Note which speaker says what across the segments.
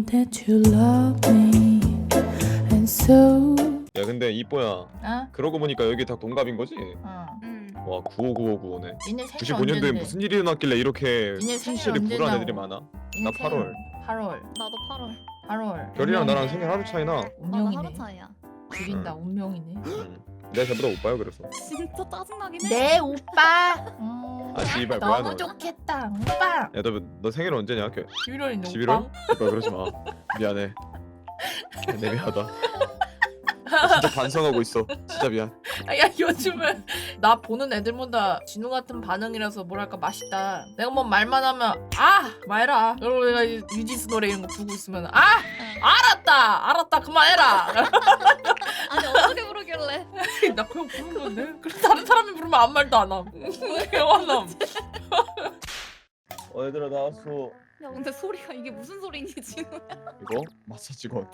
Speaker 1: that you love me and so.
Speaker 2: 야 근데 이뻐야
Speaker 3: 어?
Speaker 2: 그러고 보니까 여기 다 동갑인 거지?
Speaker 3: 어.
Speaker 2: 와 959595네
Speaker 3: 니네 생일
Speaker 2: 95년도에
Speaker 3: 언젠데?
Speaker 2: 무슨 일이 일어났길래 이렇게
Speaker 3: 니네 생일
Speaker 2: 생일이
Speaker 3: 언제
Speaker 2: 불안한
Speaker 3: 나오?
Speaker 2: 애들이 많아?
Speaker 3: 니네
Speaker 2: 나
Speaker 3: 생일
Speaker 2: 8월
Speaker 3: 8월
Speaker 4: 나도 8월.
Speaker 3: 8월
Speaker 2: 별이랑 나랑 생일 하루 차이나.
Speaker 4: 나도
Speaker 3: 운명이네.
Speaker 4: 하루 차이야.
Speaker 3: 죽인다 운명이네.
Speaker 2: 내가 쟤보다 오빠야 그래서.
Speaker 4: 진짜 짜증나긴 해.
Speaker 3: 네 오빠.
Speaker 2: 아 씨발 뭐야
Speaker 3: 너무
Speaker 2: 너.
Speaker 3: 좋겠다 오빠.
Speaker 2: 야너 생일 언제냐?
Speaker 3: 11월인데
Speaker 2: 11월?
Speaker 3: 오빠.
Speaker 2: 오빠 그러지 마. 미안해. 내 미안하다. 나 진짜 반성하고 있어. 진짜 미안.
Speaker 3: 야 요즘은 나 보는 애들보다 진우 같은 반응이라서 뭐랄까 맛있다. 내가 뭐 말만 하면 말해라. 그리고 내가 유지스 노래 이런 거 부르고 있으면 알았다 그만해라.
Speaker 4: 아니 어떻게 부르길래?
Speaker 3: 나 그냥 부른 건데. 그래 다른 사람이 부르면 아무 말도 안 함. 개화남.
Speaker 2: 얘들아 나왔어.
Speaker 4: 야 근데 소리가 이게 무슨 소리니 지금?
Speaker 2: 이거 마사지건.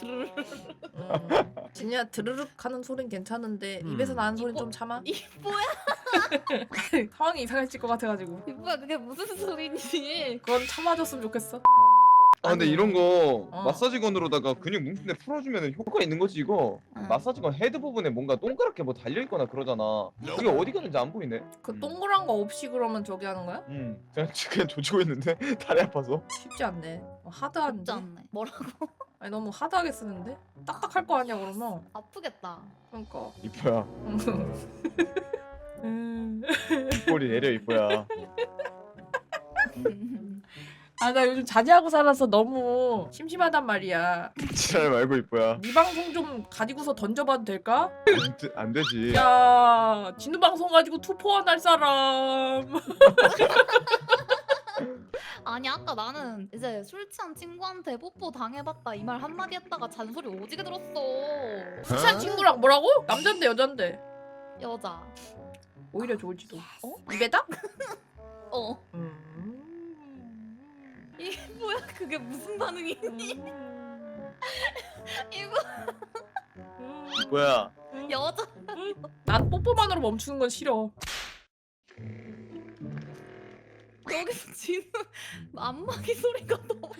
Speaker 3: 진이야 드르륵 하는 소린 괜찮은데
Speaker 2: 음.
Speaker 3: 입에서 나는 소린 좀 참아.
Speaker 4: 이 뭐야?
Speaker 3: 상황이 이상해질 것 같아가지고.
Speaker 4: 이 뭐야 그게 무슨 소리니?
Speaker 3: 그건 참아줬으면 좋겠어.
Speaker 2: 아 근데
Speaker 3: 아니.
Speaker 2: 이런 거
Speaker 3: 어.
Speaker 2: 마사지건으로다가 근육 뭉친데 풀어주면 효과가 있는 거지 이거.
Speaker 4: 응.
Speaker 2: 마사지건 헤드 부분에 뭔가 동그랗게 뭐 달려있거나 그러잖아. 그게 어디 갔는지 안 보이네.
Speaker 3: 그 동그란 거 없이 그러면 저기 하는 거야?
Speaker 2: 그냥 조지고 있는데 다리 아파서.
Speaker 3: 쉽지 않네.
Speaker 4: 쉽지
Speaker 3: 하드한데.
Speaker 4: 않네. 뭐라고?
Speaker 3: 아니 너무 하드하게 쓰는데? 딱딱할 거 아니야 그러면.
Speaker 4: 아프겠다.
Speaker 3: 그러니까.
Speaker 2: 이뻐야.
Speaker 3: 음.
Speaker 2: 꼬리 내려 이뻐야.
Speaker 3: 아 나 요즘 자제하고 살아서 너무 심심하단 말이야.
Speaker 2: 지랄 말고 이뻐야.
Speaker 3: 네 방송 좀 가지고서 던져봐도 될까?
Speaker 2: 안 되지.
Speaker 3: 야 진우 방송 가지고 투포한 할 사람.
Speaker 4: 아니 아까 나는 이제 술 취한 친구한테 뽀뽀 당해봤다 이 말 한마디 했다가 잔소리 오지게 들었어.
Speaker 3: 수찬 친구랑 뭐라고? 남잔데 여잔데?
Speaker 4: 여자.
Speaker 3: 오히려 좋을지도. 어? 입에다?
Speaker 4: 어. 이게 뭐야 그게 무슨 반응이니? 이거
Speaker 2: 이뻐야.
Speaker 4: 여자.
Speaker 3: 난 뽀뽀만으로 멈추는 건 싫어.
Speaker 4: 여기서 진우 안마기 소리가 너무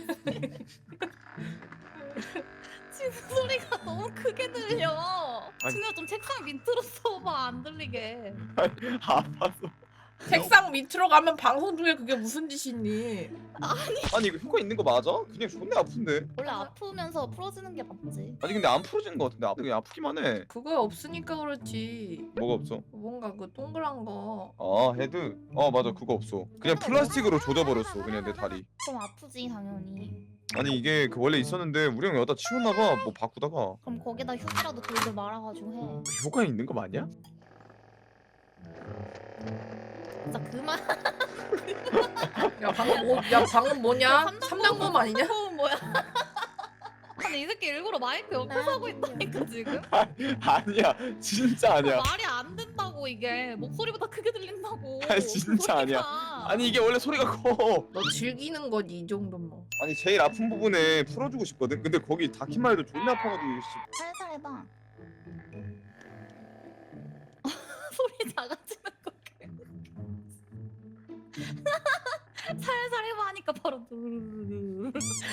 Speaker 4: 진우 소리가 너무 크게 들려.
Speaker 2: 아니.
Speaker 4: 진우야 좀 책상 밑으로 써봐 안 들리게.
Speaker 2: 아파서.
Speaker 3: 책상 밑으로 가면 방송 중에 그게 무슨 짓이니?
Speaker 2: 아니 이거 효과 있는 거 맞아? 그냥 존나 아픈데.
Speaker 4: 원래 아프면서 풀어지는 게 맞지.
Speaker 2: 아니 근데 안 풀어지는 거 같은데 그냥 아프기만 해.
Speaker 3: 그거 없으니까 그렇지.
Speaker 2: 뭐가 없어?
Speaker 3: 뭔가 그 동그란 거.
Speaker 2: 아 헤드. 맞아 그거 없어. 그냥 플라스틱으로 조져버렸어 그냥 내 다리.
Speaker 4: 그럼 아프지 당연히.
Speaker 2: 아니 이게 그 원래 있었는데 우리 형이 여기다 치웠나봐. 뭐 바꾸다가.
Speaker 4: 그럼 거기다 휴지라도 돌돌 말아가지고 해.
Speaker 2: 효과 있는 거 맞냐?
Speaker 4: 진짜 그만.
Speaker 3: 야 방금 뭐냐? 삼단검 아니냐?
Speaker 4: 뭐야? 아니 이 새끼 일부러 마이크 옆에서 하고 있다니까 지금.
Speaker 2: 아니야 진짜 아니야.
Speaker 4: 말이 안 된다고 이게 목소리보다 크게 들린다고.
Speaker 2: 아니, 진짜 아니야. 아니 이게 원래 소리가 커.
Speaker 3: 너 즐기는 거지 이 정도면. 뭐.
Speaker 2: 아니 제일 아픈 부분에 풀어주고 싶거든. 근데 거기 닿기만 해도 존나 아파가지고 씨.
Speaker 4: 살살 해봐. 소리 작아지는 거. 살살 해봐 하니까 바로 누르르르.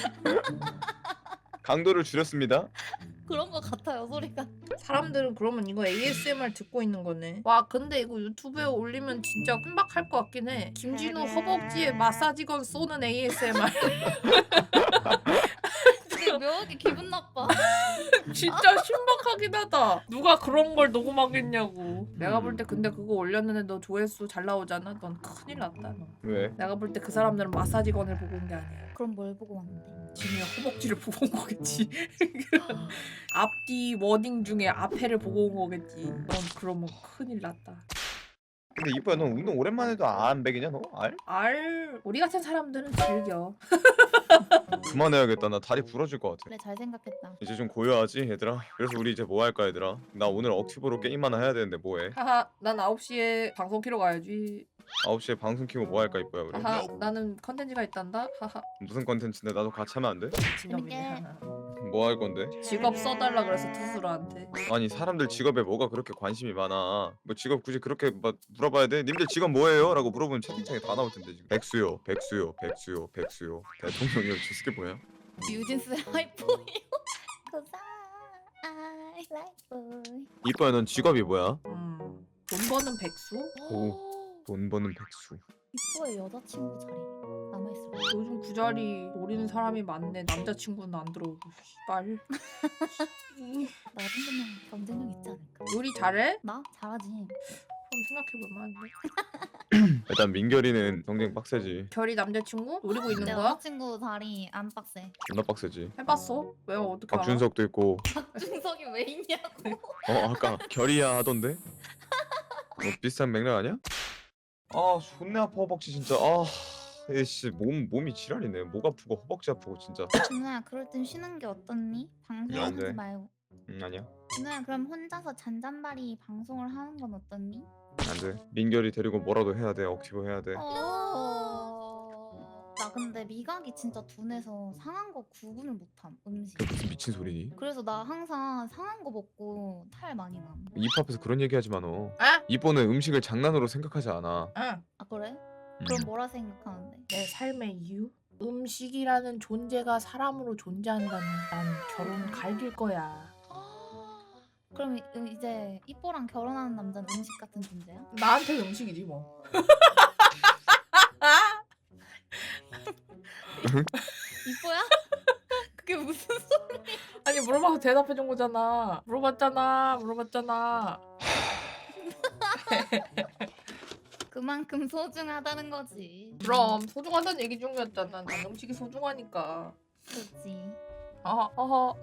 Speaker 2: 강도를 줄였습니다.
Speaker 4: 그런 거 같아요 소리가.
Speaker 3: 사람들은 그러면 이거 ASMR 듣고 있는 거네. 와 근데 이거 유튜브에 올리면 진짜 흠박할 것 같긴 해. 김진우 허벅지에 마사지건 쏘는 ASMR.
Speaker 4: 근데 묘하게 기분 나빠.
Speaker 3: 진짜 신박하긴 하다. 누가 그런 걸 녹음하겠냐고. 내가 볼 때 근데 그거 올렸는데 너 조회수 잘 나오잖아. 넌 큰일 났다 너.
Speaker 2: 왜?
Speaker 3: 내가 볼 때 그 사람들은 마사지건을 보고 온 게 아니야.
Speaker 4: 그럼 뭘 보고 왔는데?
Speaker 3: 진우야 허벅지를 보고 온 거겠지. 앞뒤 워딩 중에 앞에를 보고 온 거겠지. 넌 그러면 큰일 났다.
Speaker 2: 근데 이뻐야 너 운동 오랜만에 해도 안 배기냐 너? 알?
Speaker 3: 우리 같은 사람들은 즐겨.
Speaker 2: 그만해야겠다. 나 다리 부러질 것 같아.
Speaker 4: 그래 잘 생각했다.
Speaker 2: 이제 좀 고요하지 얘들아? 그래서 우리 이제 뭐 할까 얘들아? 나 오늘 억티브로 게임 하나 해야 되는데 뭐해?
Speaker 3: 하하 난 9시에 방송 키러 가야지.
Speaker 2: 9시에 방송 키고 뭐 할까 이뻐야 우리?
Speaker 3: 하하 나는 컨텐츠가 있단다. 하하
Speaker 2: 무슨 컨텐츠인데 나도 같이 하면 안 돼?
Speaker 3: 진영이네.
Speaker 2: 뭐 할 건데?
Speaker 3: 직업 써달라 그래서 투수로한테.
Speaker 2: 아니 사람들 직업에 뭐가 그렇게 관심이 많아. 뭐 직업 굳이 그렇게 막 물어봐야 돼? 님들 직업 뭐예요? 라고 물어보면 채팅창에 다 나올 텐데 지금. 백수요 백수요 백수요 백수요 대통령이요. 저 새끼 뭐야?
Speaker 4: 유진스의 하이포유. Cause I like boy.
Speaker 2: 이뻐야 넌 직업이 뭐야?
Speaker 3: 돈 버는 백수?
Speaker 2: 돈 버는 백수.
Speaker 4: 이뻐의 여자친구 자리 남아있을까?
Speaker 3: 요즘 그 자리 노리는 사람이 많네. 남자친구는 안 들어오고. 씨발.
Speaker 4: 나 정도면 경쟁력 있지 않을까?
Speaker 3: 요리 잘해?
Speaker 4: 나? 잘하지.
Speaker 3: 그럼 생각해볼 만한데.
Speaker 2: 일단 민결이는 경쟁 빡세지.
Speaker 3: 결이 남자친구? 노리고 있는
Speaker 4: 내
Speaker 3: 거야?
Speaker 4: 여자친구 자리 안 빡세.
Speaker 2: 존나 빡세지.
Speaker 3: 해봤어? 왜 어떻게 알아?
Speaker 2: 박준석도 있고.
Speaker 4: 준석이 왜 있냐고.
Speaker 2: 아까 결이야 하던데? 뭐 비슷한 맥락 아니야? 아 존나 아파 허벅지 진짜. 에이씨 몸이 지랄이네. 목 아프고 허벅지 아프고 진짜.
Speaker 4: 준호야 그럴 땐 쉬는 게 어떻니?
Speaker 2: 안 돼.
Speaker 4: 방송하지 말고.
Speaker 2: 아니야.
Speaker 4: 준호야 그럼 혼자서 잔잔바리 방송을 하는 건 어떻니?
Speaker 2: 안돼. 민결이 데리고 뭐라도 해야 돼. 억지로 해야 돼.
Speaker 4: 나 근데 미각이 진짜 둔해서 상한 거 구분을 못함 음식.
Speaker 2: 그게 무슨 미친 소리니?
Speaker 4: 그래서 나 항상 상한 거 먹고 탈 많이 남.
Speaker 2: 이뻐 앞에서 그런 얘기하지 마 너.
Speaker 3: 아?
Speaker 2: 이뻐는 음식을 장난으로 생각하지 않아.
Speaker 3: 응.
Speaker 4: 아 그래?
Speaker 2: 음.
Speaker 4: 그럼 뭐라 생각하는데?
Speaker 3: 내 삶의 이유? 음식이라는 존재가 사람으로 존재한다면 난 결혼 갈길 거야.
Speaker 4: 그럼 이제 이뽀랑 결혼하는 남자는 음식 같은 존재야?
Speaker 3: 나한테 음식이지 뭐.
Speaker 4: 이뽀야? 그게 무슨 소리?
Speaker 3: 아니 물어봐서 대답해준 거잖아. 물어봤잖아.
Speaker 4: 그만큼 소중하다는 거지.
Speaker 3: 그럼 소중하다는 얘기 중이었잖아. 난 음식이 소중하니까.
Speaker 4: 그렇지.
Speaker 3: 어허.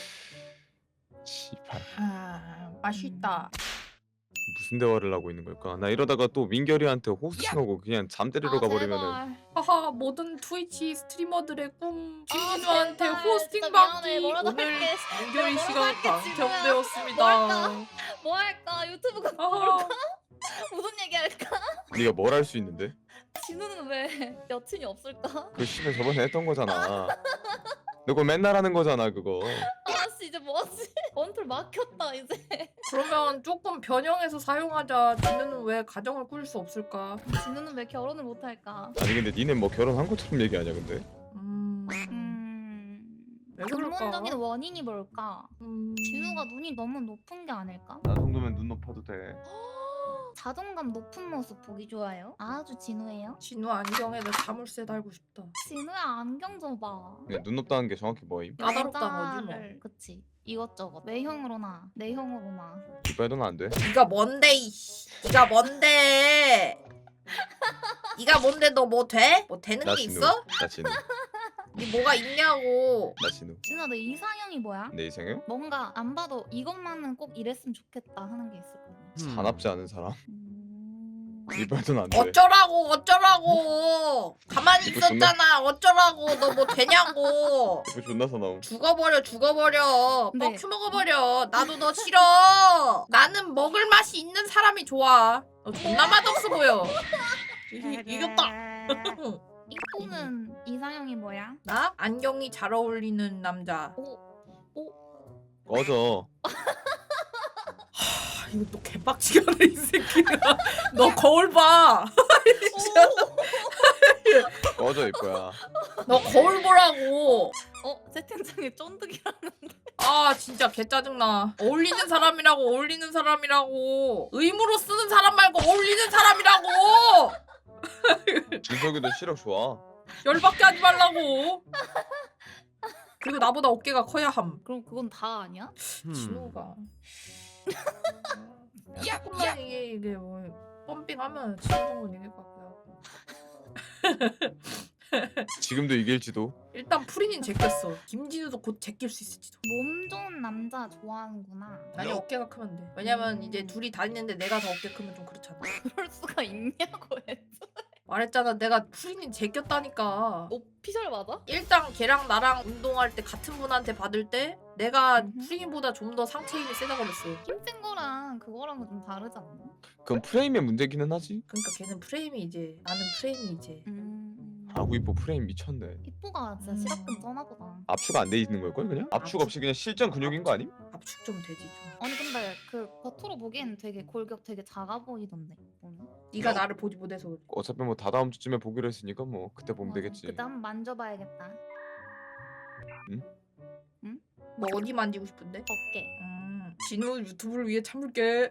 Speaker 2: 씨발.
Speaker 3: 맛있다.
Speaker 2: 무슨 대화를 하고 있는 걸까? 나 이러다가 또 민결이한테 호스팅하고 그냥 잠 때리러 가버리면은.
Speaker 4: 제발.
Speaker 3: 하하 모든 트위치 스트리머들의 꿈
Speaker 4: 아,
Speaker 3: 김진우한테
Speaker 4: 제발.
Speaker 3: 호스팅
Speaker 4: 진짜 미안해.
Speaker 3: 받기
Speaker 4: 뭐라도
Speaker 3: 오늘
Speaker 4: 할게.
Speaker 3: 민결이
Speaker 4: 뭐라도
Speaker 3: 씨가
Speaker 4: 할게,
Speaker 3: 당첨되었습니다.
Speaker 4: 뭐 할까? 유튜브가
Speaker 3: 하하.
Speaker 4: 무슨 얘기 할까?
Speaker 2: 네가 뭘 할 수 있는데?
Speaker 4: 진우는 왜 여친이 없을까?
Speaker 2: 그 씨발 저번에 했던 거잖아. 너 그거 맨날 하는 거잖아 그거.
Speaker 4: 아씨 이제 뭐하지? 원툴 막혔다 이제.
Speaker 3: 그러면 조금 변형해서 사용하자. 진우는 왜 가정을 꾸릴 수 없을까?
Speaker 4: 진우는 왜 결혼을 못할까?
Speaker 2: 아니 근데 니네 뭐 결혼한 것처럼 얘기하냐 근데?
Speaker 3: 왜 그럴까?
Speaker 4: 근본적인 원인이 뭘까?
Speaker 3: 음...
Speaker 4: 진우가 눈이 너무 높은 게 아닐까?
Speaker 2: 나 정도면 눈 높아도 돼.
Speaker 4: 자존감 높은 모습 보기 좋아요? 아주 진우예요?
Speaker 3: 진우 안경에 내 자물쇠 달고 싶다.
Speaker 4: 진우야 안경 좀 봐.
Speaker 2: 그냥 눈 높다는 게 정확히 뭐임?
Speaker 3: 까다롭다는 거지 뭐.
Speaker 4: 그치. 이것저것 외형으로나 내형으로나.
Speaker 2: 이빨도는 안 돼.
Speaker 3: 네가 뭔데 이씨. 네가 뭔데? 네가 뭔데 너 뭐 돼? 뭐 되는
Speaker 2: 나
Speaker 3: 게
Speaker 2: 진우.
Speaker 3: 있어?
Speaker 2: 나 진우.
Speaker 3: 네 뭐가 있냐고.
Speaker 2: 나 진우.
Speaker 4: 진우야 너 이상형이 뭐야?
Speaker 2: 내 이상형?
Speaker 4: 뭔가 안 봐도 이것만은 꼭 이랬으면 좋겠다 하는 게 있을 거야.
Speaker 2: 사납지 않은 사람.
Speaker 4: 음...
Speaker 2: 이빨도는 안 돼.
Speaker 3: 어쩌라고. 가만히
Speaker 2: 이거 존나-
Speaker 3: 있었잖아. 어쩌라고. 너 뭐 되냐고.
Speaker 2: 이거 존나 사나움.
Speaker 3: 죽어버려.
Speaker 4: 네.
Speaker 3: 뻑큐 먹어버려. 나도 너 싫어. 나는 먹을 맛이 있는 사람이 좋아. 너 존나 맛없어 보여. 이겼다.
Speaker 4: 이코는 이상형이 뭐야?
Speaker 3: 나 안경이 잘 어울리는 남자.
Speaker 2: 꺼져.
Speaker 3: 이거 또 개빡치게 하네 이 새끼가. 너 거울 봐.
Speaker 2: 꺼져 이뻐야.
Speaker 3: 너 거울 보라고.
Speaker 4: 채팅창에 쫀득이라는.
Speaker 3: 아 진짜 개 짜증나. 어울리는 사람이라고. 의무로 쓰는 사람 말고 어울리는 사람이라고.
Speaker 2: 준석이도 시력 좋아.
Speaker 3: 열받게 하지 말라고. 그리고 나보다 어깨가 커야 함.
Speaker 4: 그럼 그건 다 아니야?
Speaker 3: 진호가. 조금만 이게 뭐 펌핑하면 진호는 이길 것 같고요.
Speaker 2: 지금도 이길지도.
Speaker 3: 일단 프린인 제꼈어. 김진우도 곧 제낄 수 있을지도.
Speaker 4: 몸 좋은 남자 좋아하는구나.
Speaker 3: 아니 어깨가 크면 돼. 왜냐면 이제 둘이 다니는데 내가 더 어깨 크면 좀 그렇잖아.
Speaker 4: 그럴 수가 있냐고 했어.
Speaker 3: 말했잖아 내가 프린인 제꼈다니까.
Speaker 4: 오피셜 맞아?
Speaker 3: 일단 걔랑 나랑 운동할 때 같은 분한테 받을 때 내가
Speaker 4: 음흠.
Speaker 3: 프린보다 좀 더 상체 힘이 세다고 그랬어.
Speaker 4: 힘센 거랑 그거랑은 좀 다르지 않나?
Speaker 2: 그건 프레임의 문제기는 하지.
Speaker 3: 그러니까 걔는 프레임이 이제 나는 프레임이 이제
Speaker 2: 아구 이뻐 프레임 미쳤네.
Speaker 4: 이뽀가 진짜 시력근 쩌나보다.
Speaker 2: 압축 안 돼 있는 걸걸 그냥? 압축 없이 그냥 실전 근육인 거 아님?
Speaker 3: 압축 좀 되지 좀.
Speaker 4: 아니 근데 그 겉으로 보기엔 되게 골격 되게 작아 보이던데. 보면.
Speaker 3: 네가 나를 보지 못해서 그래.
Speaker 2: 어차피 뭐 다 다음 주쯤에 보기로 했으니까 뭐 그때 보면
Speaker 4: 맞아.
Speaker 2: 되겠지.
Speaker 4: 그때 한번 만져봐야겠다.
Speaker 3: 뭐 어디 만지고 싶은데?
Speaker 4: 어깨.
Speaker 3: 진우 유튜브를 위해 참을게.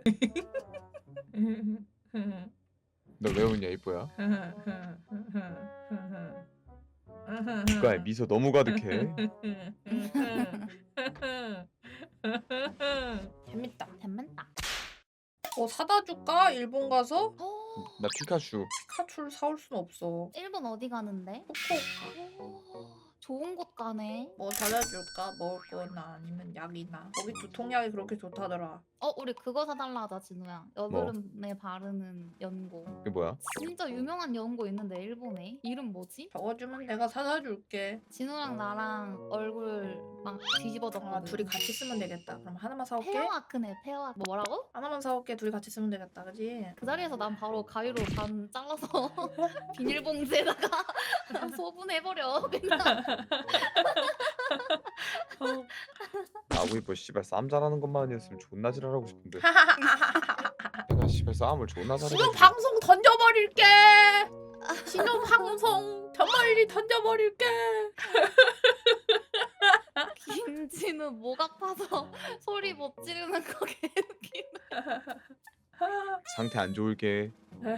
Speaker 2: 너 왜 웃냐 이뻐야? 국가에 미소 너무 가득해.
Speaker 3: 재밌다.
Speaker 4: 재밌다.
Speaker 3: 뭐 사다 줄까? 일본 가서?
Speaker 2: 나 피카츄.
Speaker 3: 피카츄를 사올 순 없어.
Speaker 4: 일본 어디 가는데?
Speaker 3: 후쿠오카.
Speaker 4: 오, 좋은 곳 가네.
Speaker 3: 뭐 사다 줄까? 먹을 거나 아니면 약이나. 거기 두통약이 그렇게 좋다더라.
Speaker 4: 우리 그거 사달라 하자, 진우야. 여드름에 바르는 연고.
Speaker 2: 이게 뭐야?
Speaker 4: 진짜 유명한 연고 있는데 일본에. 이름 뭐지?
Speaker 3: 적어주면 내가 사다 줄게.
Speaker 4: 진우랑 나랑 얼굴 막 뒤집어졌거든.
Speaker 3: 아, 둘이 같이 쓰면 되겠다. 그럼 하나만 사올게.
Speaker 4: 페어아크네, 페어아크. 뭐라고?
Speaker 3: 하나만 사올게. 둘이 같이 쓰면 되겠다. 그지?
Speaker 4: 그 자리에서 난 바로 가위로 반 잘라서 비닐봉지에다가 소분해버려. 그냥.
Speaker 2: 아구 이뻐 씨발 싸움 잘하는 것만 아니었으면 존나 지랄하고 싶은데. 내가 씨발 싸움을 존나 잘해.
Speaker 3: 신호 방송 던져버릴게. 신호 방송 저 멀리 던져버릴게.
Speaker 4: 김진우 목 아파서 소리 못 지르는 거 개웃기네.
Speaker 2: 상태 안 좋을게.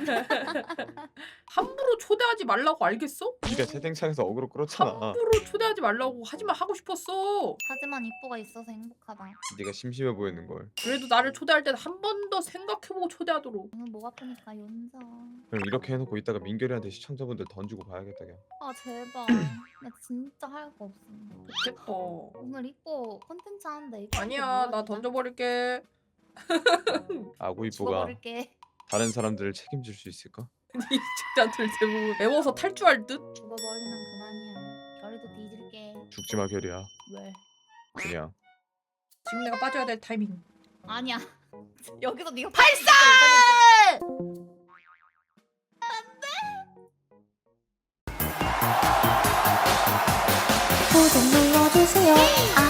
Speaker 3: 함부로 초대하지 말라고 알겠어?
Speaker 2: 네가 채팅창에서 어그로 끌었잖아.
Speaker 3: 함부로 초대하지 말라고 하지만 하고 싶었어.
Speaker 4: 하지만 이뻐가 있어서 행복하다.
Speaker 2: 네가 심심해 보이는 걸.
Speaker 3: 그래도 나를 초대할 땐 한 번 더 생각해보고 초대하도록.
Speaker 4: 오늘 목 아프니까 연자.
Speaker 2: 그럼 이렇게 해놓고 이따가 민결이한테 시청자분들 던지고 봐야겠다 그냥.
Speaker 4: 아 제발. 나 진짜 할 거 없어.
Speaker 3: 좋겠다.
Speaker 4: 오늘 이뻐 콘텐츠 하는데 이거
Speaker 3: 아니야, 나 던져버릴게.
Speaker 2: 아구 이뻐가
Speaker 4: 죽어버릴게.
Speaker 2: 다른 사람들을 책임질 수 있을까?
Speaker 3: 이 시청자들 대부분 매워서 탈주할 듯?
Speaker 4: 죽어버리면 그만이야. 결이도 뒤질게.
Speaker 2: 죽지 마 결이야.
Speaker 4: 왜?
Speaker 2: 그냥.
Speaker 3: 지금 내가 빠져야 될 타이밍.
Speaker 4: 아니야. 여기서 네가
Speaker 3: 발사!
Speaker 1: 구독 눌러주세요.